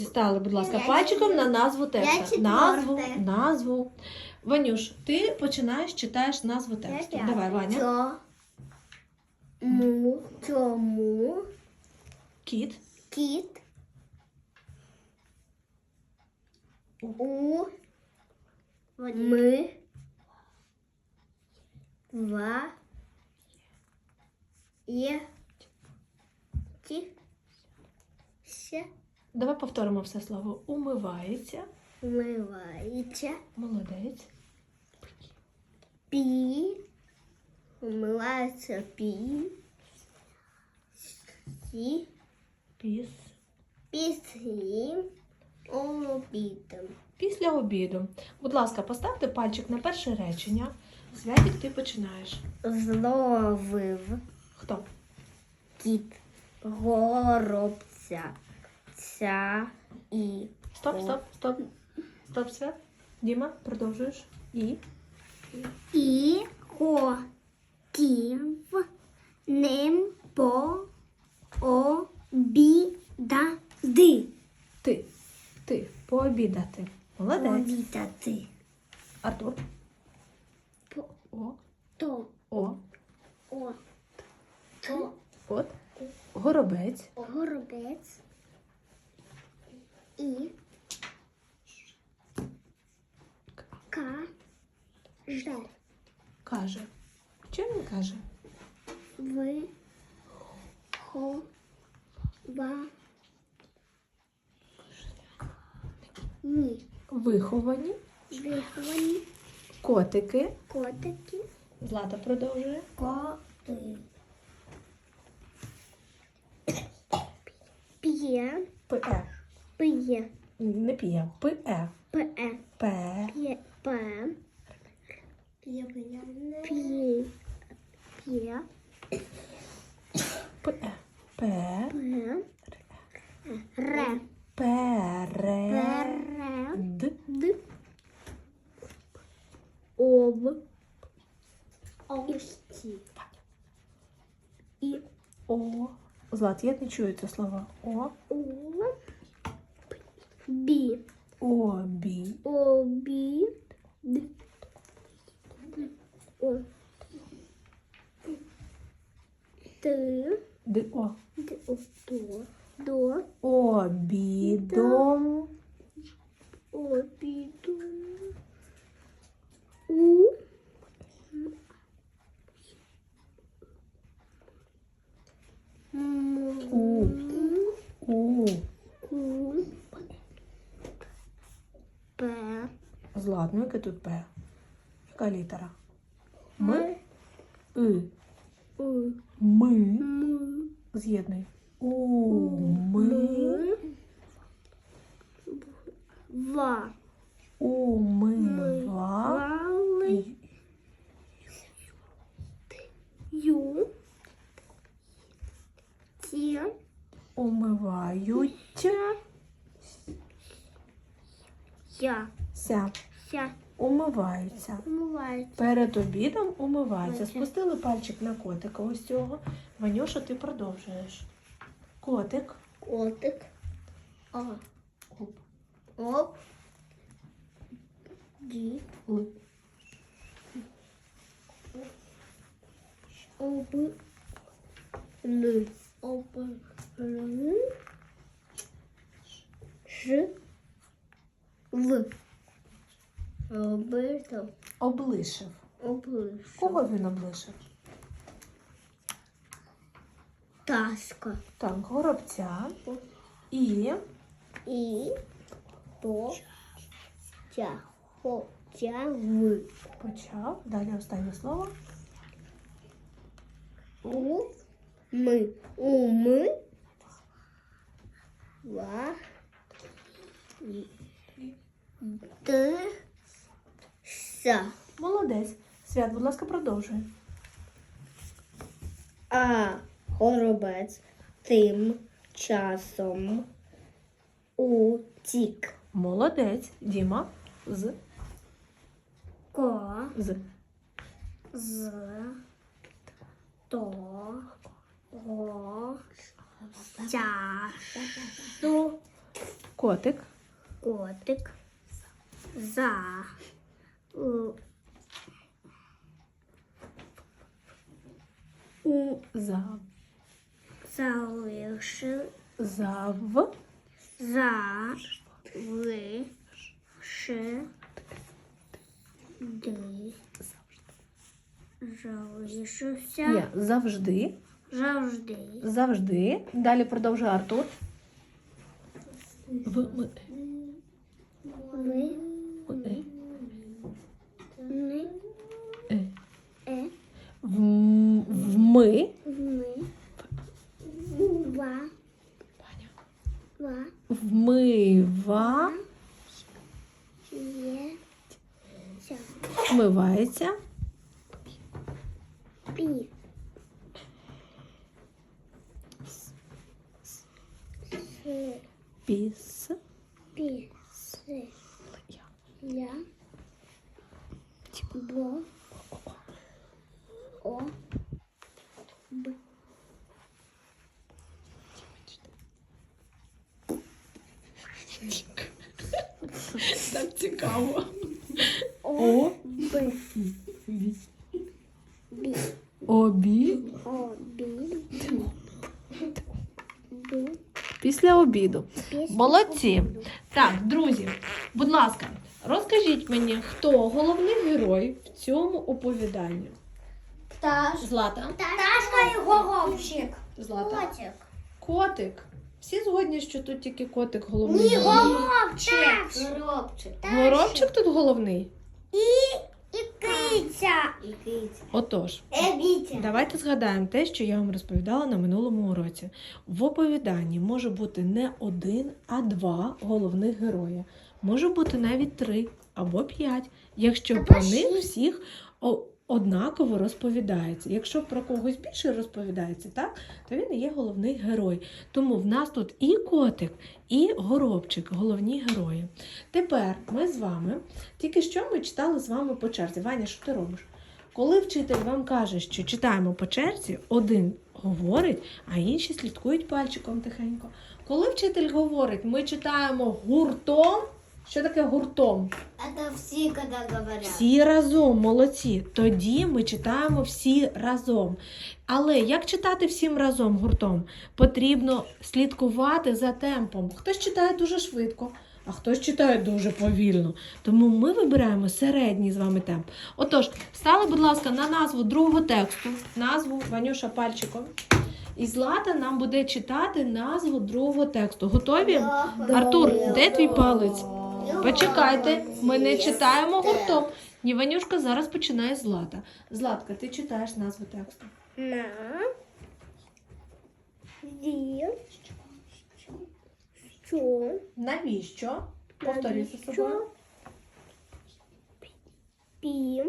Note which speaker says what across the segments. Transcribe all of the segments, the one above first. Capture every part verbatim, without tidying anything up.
Speaker 1: Стали, будь ласка,
Speaker 2: Я
Speaker 1: пальчиком
Speaker 2: чотвер-
Speaker 1: на назву
Speaker 2: Я
Speaker 1: текста.
Speaker 2: четверте.
Speaker 1: Назву, назву. Ванюш, ти починаєш, читаєш назву тексту.
Speaker 2: Я
Speaker 1: Давай, Ваня.
Speaker 2: Чо, му, чому,
Speaker 1: Кіт.
Speaker 2: кіт, у, ми, ва, є, ті, ся,
Speaker 1: Давай повторимо все слово. Умивається.
Speaker 2: умивається,
Speaker 1: Молодець.
Speaker 2: пі, умивається, пі, сі,
Speaker 1: Піс.
Speaker 2: після обіду.
Speaker 1: Після обіду. Будь ласка, поставте пальчик на перше речення. Святик, ти починаєш.
Speaker 2: Зловив
Speaker 1: Хто?
Speaker 2: кіт горобця, ця і
Speaker 1: Стоп, стоп, стоп. Стоп, Свят. Діма, продовжуєш. І.
Speaker 2: і хотів ним пообідати.
Speaker 1: Ти. Ти. Пообідати. Молодець.
Speaker 2: Пообідати.
Speaker 1: Артур.
Speaker 2: По,
Speaker 1: О.
Speaker 2: то,
Speaker 1: О.
Speaker 2: о, то,
Speaker 1: От. Горобець.
Speaker 2: горобець і каже.
Speaker 1: Каже. Що він каже?
Speaker 2: Ви хо ва ні.
Speaker 1: Виховані.
Speaker 2: Виховані
Speaker 1: Котики.
Speaker 2: котики.
Speaker 1: Злата продовжує.
Speaker 2: Коти. П'є.
Speaker 1: Пе.
Speaker 2: П'є.
Speaker 1: Не п'є. Пе.
Speaker 2: П'є.
Speaker 1: Пе.
Speaker 2: П'є. П'є. П'є. П'є. П'є.
Speaker 1: Пе. Пе.
Speaker 2: П'є. Ре.
Speaker 1: Пере.
Speaker 2: Пере.
Speaker 1: Д.
Speaker 2: Д. Об. Овсті. І
Speaker 1: О. Злат, я не чую це слово. О.
Speaker 2: о. Бі.
Speaker 1: Обі.
Speaker 2: Обі. Д. О. Ти.
Speaker 1: Д. О.
Speaker 2: Д. О. До. До.
Speaker 1: Обідом.
Speaker 2: Обіду. У. М.
Speaker 1: У. У.
Speaker 2: У. П.
Speaker 1: Злат, ну яке тут П? Яка літера? М. И.
Speaker 2: У.
Speaker 1: Ми.
Speaker 2: М.
Speaker 1: З'єднуй. У. Ми.
Speaker 2: Ва.
Speaker 1: Умива.
Speaker 2: Вали. Ю. Ті.
Speaker 1: Умивають.
Speaker 2: Я.
Speaker 1: Ся.
Speaker 2: Ся.
Speaker 1: Умиваються.
Speaker 2: Умивається.
Speaker 1: Перед обідом умиваються.
Speaker 2: Ось.
Speaker 1: Спустили пальчик на котика ось цього. Ванюша, ти продовжуєш. Котик.
Speaker 2: Котик. О.
Speaker 1: Оп.
Speaker 2: Оп. Ді.
Speaker 1: Л.
Speaker 2: Об. Л. Об. Л. Ж. В. Обито.
Speaker 1: Облишив.
Speaker 2: Облиш.
Speaker 1: Кого він облишив?
Speaker 2: Таска.
Speaker 1: Так, горобця. І
Speaker 2: І. По. Тя. Хо. Тя. В.
Speaker 1: почав. Далі останнє слово.
Speaker 2: У. Ми. У. Ми. Ва. Т. Са.
Speaker 1: Молодець. Свят, будь ласка, продовжуй.
Speaker 2: А горобець тим часом утік.
Speaker 1: Молодець. Діма. З.
Speaker 2: Ко.
Speaker 1: З.
Speaker 2: З. То. Го. Часу.
Speaker 1: Котик.
Speaker 2: Котик. За. У. У.
Speaker 1: За.
Speaker 2: Залишив.
Speaker 1: Зав.
Speaker 2: За. Ви. Ше. Ди. Залишився.
Speaker 1: Є. Завжди.
Speaker 2: Завжди.
Speaker 1: Завжди. Далі продовжує Артур. В. Ми.
Speaker 2: Ви.
Speaker 1: Е.
Speaker 2: Ни.
Speaker 1: Е.
Speaker 2: Е.
Speaker 1: В. В. Ми.
Speaker 2: Ми. Ва. Ва.
Speaker 1: Вмива.
Speaker 2: Є. Ся.
Speaker 1: Вмивається.
Speaker 2: Пі. Си.
Speaker 1: Піс.
Speaker 2: Пі. Си.
Speaker 1: Я.
Speaker 2: Я. Бо. О. Б.
Speaker 1: Так цікаво.
Speaker 2: О.
Speaker 1: О.
Speaker 2: Б.
Speaker 1: Ві.
Speaker 2: Бі.
Speaker 1: Обі.
Speaker 2: О. Бі. Бі.
Speaker 1: Після обіду.
Speaker 2: Після
Speaker 1: Молодці. Так, друзі, будь ласка, розкажіть мені, хто головний герой в цьому оповіданні?
Speaker 2: Пташ.
Speaker 1: Злата.
Speaker 2: Пташка і горобчик.
Speaker 1: Злата.
Speaker 2: Котик.
Speaker 1: Котик. Всі згодні, що тут тільки котик головний.
Speaker 2: Ні,
Speaker 1: герой?
Speaker 2: горобчик. Горобчик.
Speaker 1: Горобчик тут головний?
Speaker 2: І, і киця. І киця.
Speaker 1: Отож,
Speaker 2: Егіця.
Speaker 1: давайте згадаємо те, що я вам розповідала на минулому уроці. В оповіданні може бути не один, а два головних герої. Може бути навіть три або п'ять, якщо
Speaker 2: Або
Speaker 1: про них
Speaker 2: шість.
Speaker 1: всіх о- однаково розповідається. Якщо про когось більше розповідається, так, то він і є головний герой. Тому в нас тут і котик, і горобчик, головні герої. Тепер ми з вами, тільки що ми читали з вами по черзі. Ваня, що ти робиш? Коли вчитель вам каже, що читаємо по черзі, один говорить, а інші слідкують пальчиком тихенько. Коли вчитель говорить, ми читаємо гуртом. Що таке гуртом?
Speaker 2: Это все, когда говорят.
Speaker 1: Всі разом, молодці. Тоді ми читаємо всі разом. Але як читати всім разом гуртом? Потрібно слідкувати за темпом. Хтось читає дуже швидко, а хтось читає дуже повільно. Тому ми вибираємо середній з вами темп. Отож, стали, будь ласка, на назву другого тексту. Назву Ванюша пальчиком. І Злата нам буде читати назву другого тексту. Готові? Артур, де твій палець? Почекайте, ми не читаємо гуртом. Ні, Ванюшка зараз починає Злата. Златка, ти читаєш назву тексту.
Speaker 2: На. Ві. Що.
Speaker 1: Навіщо? Повторюй за собою.
Speaker 2: Пі.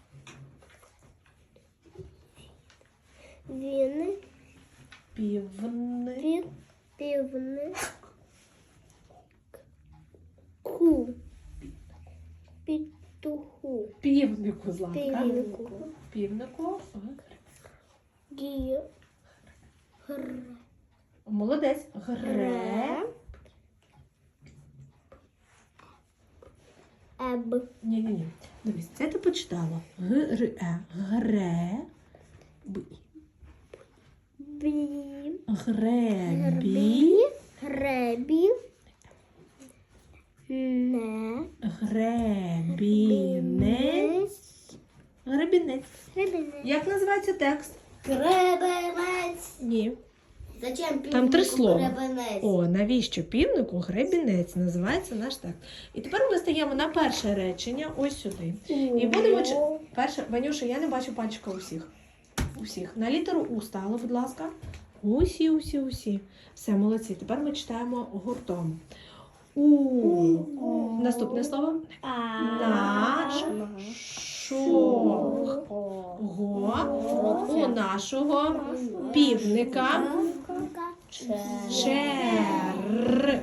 Speaker 2: Він.
Speaker 1: Півни.
Speaker 2: Пі. Півни. Ку. Петуху.
Speaker 1: Півнику, Златка.
Speaker 2: Півнику.
Speaker 1: Півнику.
Speaker 2: Гі. Гр.
Speaker 1: Молодець. Гре.
Speaker 2: Еб.
Speaker 1: Ні-ні-ні. Дивись, це ти почитала. Гре. Гре. Бі.
Speaker 2: Бі.
Speaker 1: Гребі.
Speaker 2: Гребі. Не.
Speaker 1: Гребінець. Гребінець.
Speaker 2: Гребінець.
Speaker 1: Як називається текст?
Speaker 2: Гребенець.
Speaker 1: Ні.
Speaker 2: Зачем
Speaker 1: Там три слова.
Speaker 2: гребенець?
Speaker 1: О, навіщо півнику гребінець називається наш текст. І тепер ми стаємо на перше речення, ось сюди. І будемо чи... перше, Ванюша, я не бачу пальчика усіх. Усіх. На літеру У стало, будь ласка. Усі, усі, усі. Все, молодці. Тепер ми читаємо гуртом. У. Наступне слово. Наш. Шо. Го. У нашого півника. Чер.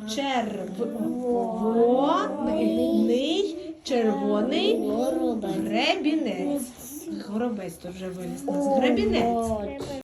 Speaker 1: Червоний. Червоний. Гребінець. Горобець тут вже виліз у нас. Гребінець.